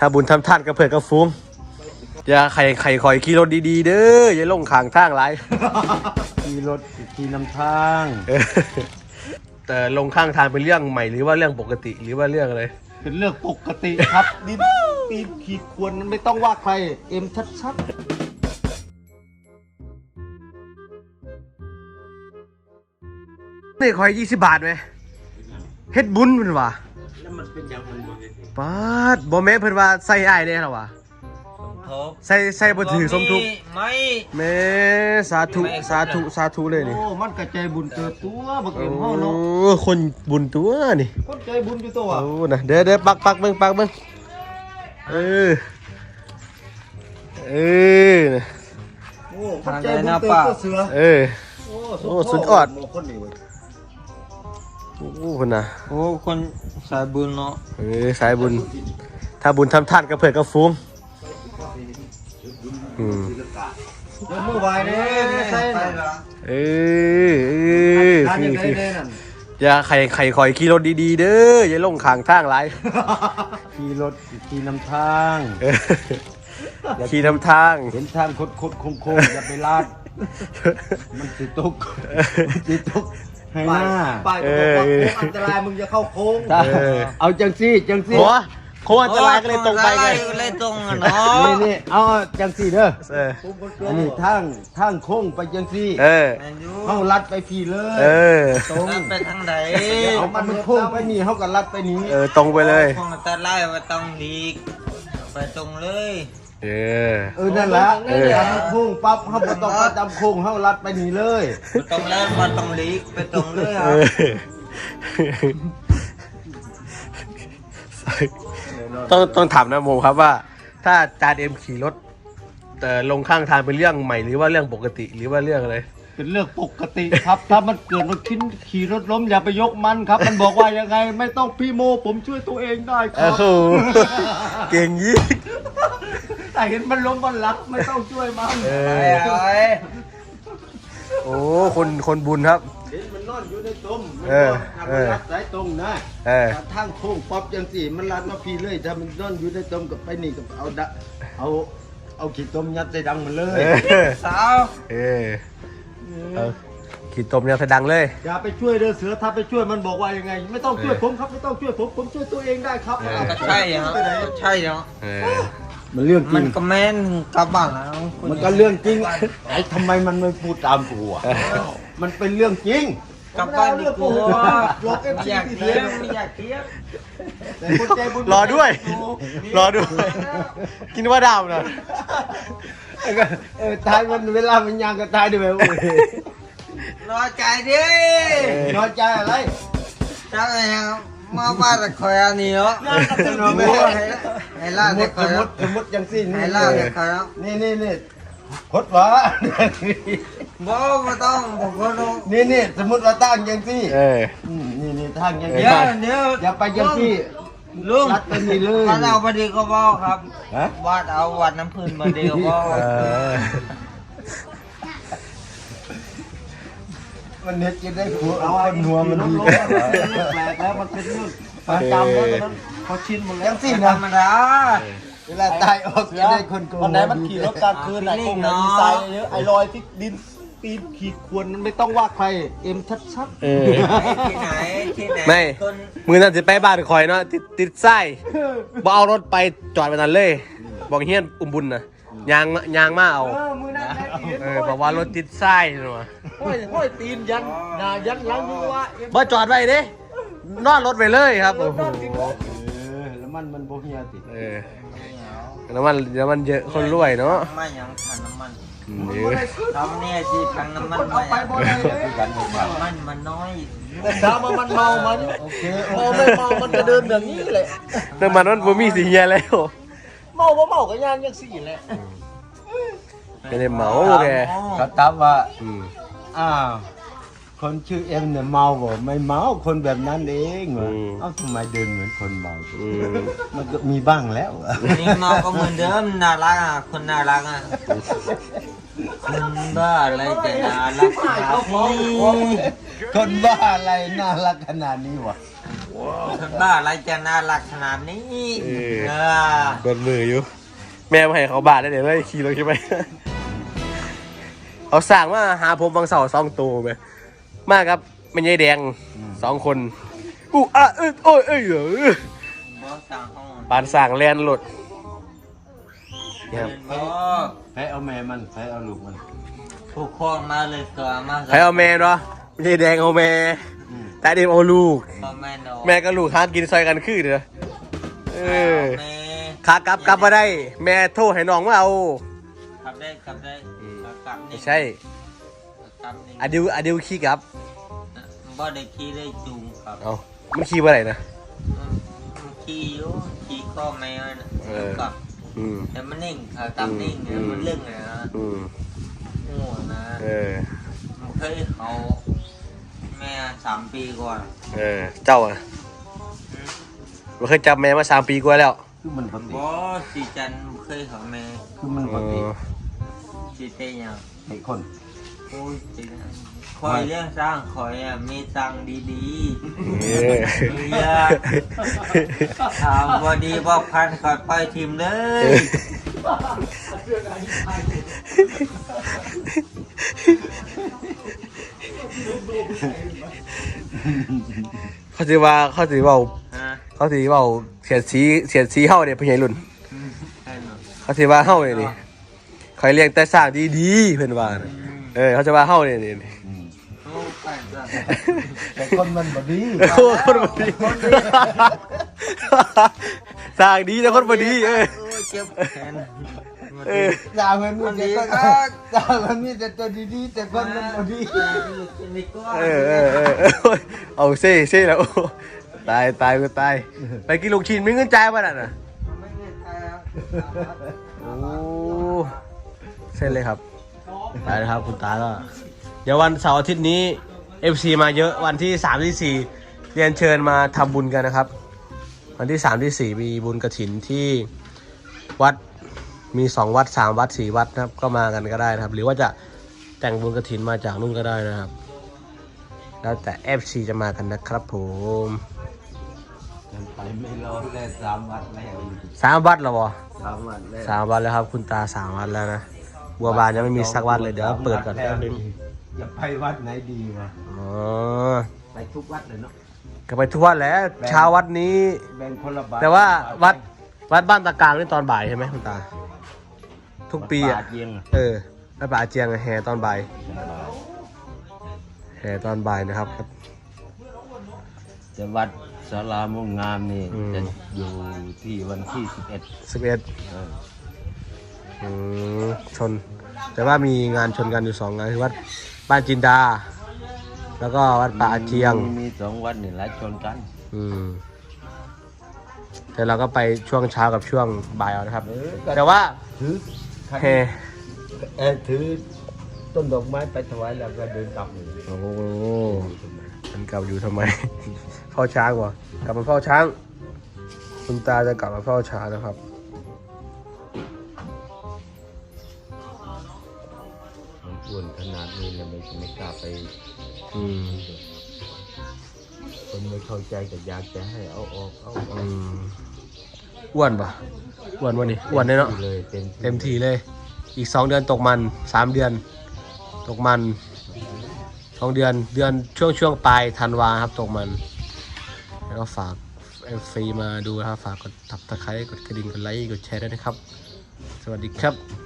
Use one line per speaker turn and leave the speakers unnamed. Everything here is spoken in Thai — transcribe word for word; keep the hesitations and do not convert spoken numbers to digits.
ถ้าบุญทำท่านกับเพื่อนกับฟุ้งอย่าไข่ไข่คอยขี่รถดีๆเด้ออย่าลงข้างทางไร
ขี่รถขี่นำทาง
แต่ลงข้างทางเป็นเรื่องใหม่หรือว่าเรื่องปกติหรือว่าเรื่องอะไร
เป็นเรื่องปกติครับดินปีนขีดควรไม่ต้องว่าใครเอ็มชัดๆ
นี่คอยยี่สิบบาทไหมเฮ็ดบุญเพิ่นว่า
แล้วมันเป็นอย่างมันบ่
ปาดบ่แม่นเพิ่นว่าใส่อ้ายแน่หรอวะ
ทบ
ใส่ใส่บ่ถือสมทุก
ไม่
แม่สาธุสาธุสาธุเลยนี่
โอ้มันกระจายบุญเกิดตัวบัก
โอ้
เอ็มเฮาเนาะ
คนบุญตัวนี่
คนใจบุญอยู่ตัว
โอ้นะเดี๋ยวเดี๋ยวปักปักเบิ่งปักเบิ่งเออเออนะ
โอ้คนใจบุญเกิดตัวเสือ
เออ
โอ้
โอ้สุดยอด
คนนี้เว้ย
โอ้คนน่ะ
โอ้คนสายบุญเนาะ
เออสายบุญ ถ้าบุญทำท่านกับเพื่อนกับฟุ้งอืม
เดี๋ยวมือไหวเด้ใส่น่ะ
เออเออ
ทาน
คื
ยั
อง
ไง
คือ
เด้นั่น
อย่าไข่ไข่คอยขี่รถดีๆเด้ออย่าลงข้างทางไร
ขี่รถขี่นำทาง
เออขี่นำทาง
เห็นทางคดคดโค้งโค้งอย่าไปลาด มันสิตกมันสิตกให้หน้า
ไปก็บอกว่าโค้งอันตรายมึงจะเข้าโค้ง
ถ้าเอาจังซี่จังซี่
หัวโคตรอันตรายก็เลยตรงไปไง
เลยตรงอะเนาะ
นี่นี่เอาจังซี่เด้อ
เออ
อันนี้ทางทางโค้งไปจังซี่
เออ
แมนยู
เฮาลัดไปพี่เลย
เออ
ตรง
ไปทางไหน
เอามันโค้งไปนี่เฮาก็ลัดไปนี้
เออตรงไปเลย
คงแต่ไล่ไปตรงดีกไปตรงเลย
เออ
เออนั่นแหละ
เออ
ทางโค้งปั๊บเฮาบ่ต้องประจำโค้งเฮาลัดไปนี่เลย
ไปตรงแล้วมาตรงลีกไปตรงเลยค
เอ
รับ
อต้องต้องถามนะโมครับว่า ถ้าจานเอ็มขี่รถแต่ลงข้างทางเป็นเรื่องใหม่หรือว่าเรื่องปกติหรือว่าเรื่องอะไร
เป็นเรื่องปกติครับ ถ้ามันเกิดมันขึ้นขี่รถล้มอย่าไปยกมันครับ มันบอกว่ายังไงไม่ต้องพี่โมผมช่วยตัวเองได้ค
โอ้
รับ
โหเก่งยิ่ง
แต่เห็นมันล้มมันรักไม่ต้องช่วยมัน
เอ
ไป
อ
เอาไว้
โอ้คนคนบุญครับ
เห็นมันนอนอยู่ในต้มมัน
เออ
ทำมันรัดสายตรงนะ
เออ
ถ้าทางโค้งป๊อปจังสี่มันรัดมาพี่เลยถ้ามันนอนอยู่ในต้มกับไปนี่กับเอาดะเอาเอาขีดต้มยัดใส่ดังมันเลย
เออ
สาว
เออเอาขี่ตมยังแสดังเลย
อย่าไปช่วยเด้อเสือถ้าไปช่วยมันบอกว่ายังไง ไม่ต้องช่วยผมครับไม่ต้องช่วยผมผมช่วยตัวเองได้ครับ
เออ
ก็ใช่เนาะก็ใช่เนาะ
เออ
มันเรื่องจ
มั
ริ
น
ง
ก็แม่นกลับบ้านแล้วคุณ
มันก็เรื่องจริงไอ้ทำไมมันไม่พูดตามกูอ่ะมันเป็นเรื่องจริง
กลับบ้านดีกว่า
หลอกเอฟ
ไม่
ซี
อยาก
ที่
เที
เที
ย
ย
บไม่อยากเทียบ
แต่คนใจบุญ
รอด้วย รอด้วย กินว่าดาวนะ
เออตายมันเวลามันยางก็ตายด้วยเว้ย
รอใจดิ
น้อยใจอะไร
ถ้าไงมาบ้านตะคอยอันนี้เนาะ
น้อยไม่
ไอ้ล่า
สมม
ตะ
ติ
ค
ส
อย
มมติสมมติจังสิ้น
ไอ้ล่าตะคอย
นี่นี่นี่คดวะ
บ่ไม่ต้องผมก็ต้อง
นี่นี่สมมติว่าตั้งจังซี่
เออ
นี่นี่ทางจัง
เดี๋
ซี่
ยวเดี๋ยว
อย่าไปจังซี่
ลุง
รัดไปนี่เลย
วัดเอาพอดีก็บอกครับ
ฮะ
วัดเอาวัดน้ำพื้นมาดีก็บอก
เออ
มันเน็ตจะได้หัวเอาไอ้หัวมันดีแปลกแล้วมันเป็นเรื่องประจำแล้วตอนนั้นเขาชินหมดแล้วสิ
ธร
นะ
รมดา
เวลาตายออกจะได้คนโกง
วันไหนมันขี่รถกลางคืนไหนคงไหนมีทรายเยอะไอ้รอยที่ดินปีนขีดควรมันไม่ต้องว่าใครเอ็มชัด
เออ
ที่ไหนที่ไหน
ไม่
คน
มือนั่นจะไปบ้านคอยเนาะติดติดไส้บ่เอารถไปจอดไปนั่นเลย บอกเฮียนอุ้มบุญนะยางยางมาเอา
เออมือนั่นแหละ
เออบอกว่ารถติดไส้เนาะ
ห้อยห้อยตีนยันหน้ายันหลังดูว่าเอ็ม
บ่จอดไว้เด้นอนรถไปเลยครับโอ้โห
เออแล้วมันมันโบเฮียติ
เออน้ำมันน้ำมันเยอะคนรวยเนาะ
ไม่ยังทันน้ำมัน
เดี๋ยว
ทำเนี่ยที่ทันน้ำมัน
เอาไปบ่ได้เลย
น้ำมันมันน้อย
แต่ดามามันเมามัน
โอเค
เมาไม่เมามันจะเดินแบบนี้แหละ
น้ำมันมันบ่มีสีเงี้ยแล้ว
เมาบ่เมาก็ย่านยังสี่แหละ
ไม่ได้เมาแก
เขาตอบว่า
อืม
อ้าวคนชื่อเอ็มเนี่ยเมาบ่ไม่เมาคนแบบนั้นเองเหรอเอ้าทำไมเดินเหมือนคนเมา
อืม
มันก็มีบ้างแล้ว
นี่เมาก็เหมือนเดิมน่ารักอ่ะคนน่ารักอ่ะคนบ้าอะไรจะน่ารักขนาดนี้
คนบ้าอะไรน่ารักขนาดนี้วะ
คนบ้าอะไรจะน่ารักขนาดนี้
เออ
เออ
เบิดมืออยู่ แม่มาให้เขาบาดได้เดี๋ยวได้ขี่รถใช่ไหม เขาสั่งว่าหาผมบางเสาสองตัวไปมากครับไม่ใช่แดงสองคนอู้อ่ะเอ้ยโอ้ยเอ้ยเออบ
อสสั่งห้อง
ปานสั่งแลนหลุดนี่ครับ
บอส
แพ้เอาแม่มันแพ้เอาลูกมัน
ผู้ครองมาเลยเกิดมา
ใครเอาแม่เนาะไม่ใช่แดงเอาแม่แต่เดมเอาลูก
พ่อแม่เนาะ
แม่กับลูกหากินซอยกันคือเด้อเออ
แม่
ขากลับกลับมาได้ แม่โทรให้น้องมาเอา
ขับได้ขับได้กลับนี่
ไม่ใช่
กลับนี่
อดิวอดิวขี้กลับ
บ่ได้ขี่ได้จูงครับ
เอามันขี้เมื่อไหร่นะ
มันขี่อยู่ขี่ก็แมวนะ
เออ
กลับ
อืม
แต่มันนิ่งเออกลับนิ่งเนี่ย
อืม
มันเรื่องเลยนะ
อืม
ง่วงนะ
เออ
มันเคยเขาแม่สามปีก่อน
เออ เจ้าอ่ะมันเคยจับแม่มาสามปีกว่าแล้ว
คือมันปกติ
บอสีจันทร์เคยเขาแม่
คือมันป
เอก
ติ
อ
สีเตยัง
ไอ้คน
โอ้ยสีคอยเรื่องสร้างคอยอ่ะมีตังค์ดี
เออ
ๆเฮียถามบอดีบอกพันคอยไปทีมเลย
เขาสิว่าเขาสิเว่า
ฮะ
เขาสิเว่าเสียดสีเสียดสีเฮาเนี่ยพี่ใหญ่รุ่น
ใช่หนู
เขาสิว่าเฮาเนี่ยนี่คอยเลี้ยงแต่สร้างดีๆเพิ่นว่าน่ะเออเขาจะว่าเฮาเนี่ยนี่
โอ้ไปจ้ะ
แต่คนมันบดี
โอ้คนบ่ดีสร้างดีแต่คนบ่ดีเออ
โอ้ยเจ็บแขน
เออ
ด่ามันมีแต่ก็ด่ามันมีแต่ตัวดีๆแต่คนมันบดี
เออเออเออเออโอ้ยเอาเซ่เซ่แล้วโอ้ตายตายกูตายไปกินลูกชิ้นมีเงินจ่ายป่ะน่ะ
ไม่เงินไทยครับ
โอ้เส้นเลยครับไปนะครับคุณตาก็เดี๋ยววันเสาร์อาทิตย์นี้ เอฟ ซี มาเยอะวันที่สามที่สี่เรียนเชิญมาทำบุญกันนะครับ วันที่สามที่สี่มีบุญกฐินที่วัดมีสองวัดสามวัดสี่วัดนะครับก็มากันก็ได้นะครับ หรือว่าจะแต่งบุญกฐินมาจากนู่นก็ได้นะครับ แล้วแต่ เอฟ ซี จะมากันนะครับผม
มันไปไม่รอดแล้วสามวันแล้ว
สามวัดแล้ววะ
สามวันแล้ว
สามวัดแล้วครับ คุณตาสามวัดแล้วนะบัวบานยังไม่มีสักวัดเลยเดี๋ยวเปิดก่อนแป๊บนึง
อย่าไปวัดไหนดีวะ
อ๋อ
ไปทุกวัดเลยเนาะ
ก็ไปทุกวัดแล้วเช้าวัดนี้
แบ่งคนละบาท
แต่ว่าวัดวัดบ้านตะกลางนี่ตอนบ่ายใช่ไหมคุณตา ทุกปี
วัด
อ่ะ
ป่าเจียงอะ
เออวัดป่าอาเจียงอะแห่ตอนบ่ายแห่ตอนบ่ายนะครับ
แต่วัดศาลามุ่งงามนี่
อืม
จะอยู่ที่วันที่สิบเอ็ด
สิบเอ็ดชน แต่ว่ามีงานชนกันอยู่สองงานคือวัดบ้านจินดา แล้วก็วัดป่าอาเจียง
มีสองวัดนี่หลายชนกัน
อืมแต่เราก็ไปช่วงเช้ากับช่วงบ่ายเอานะครับ
เออก็
แต่ว่า
ถือ
แห่
เออถือต้นดอกไม้ไปถวายแล้วก็เดินกลับเลย
โอ้โหมันกลับอยู่ทำไม เฝ้าช้างวะกลับมาเฝ้าช้าง คุณตาจะกลับมาเฝ้าช้างนะครับ
มันอ้วนขนาดนี้เลยไม่ไม่กล้าไป
อืม
คนไม่เข้าใจก็อยากจะให้เอาออกเอาออ
อื
ก
มอ้วนปะอ้วนวะนี่อ้วนเลยเนาะ
เลยเต็ม
เต็มทีเลย อีกสองเดือนตกมันสามเดือน ตกมันสองเดือนเดือนช่วงช่วงปลายธันวาครับตกมัน แล้วก็ฝากเอฟซีมาดูนะครับ ฝากกดตับตะไคร้กดกระดิ่งกดไลค์กดแชร์ด้วยนะครับ สวัสดีครับ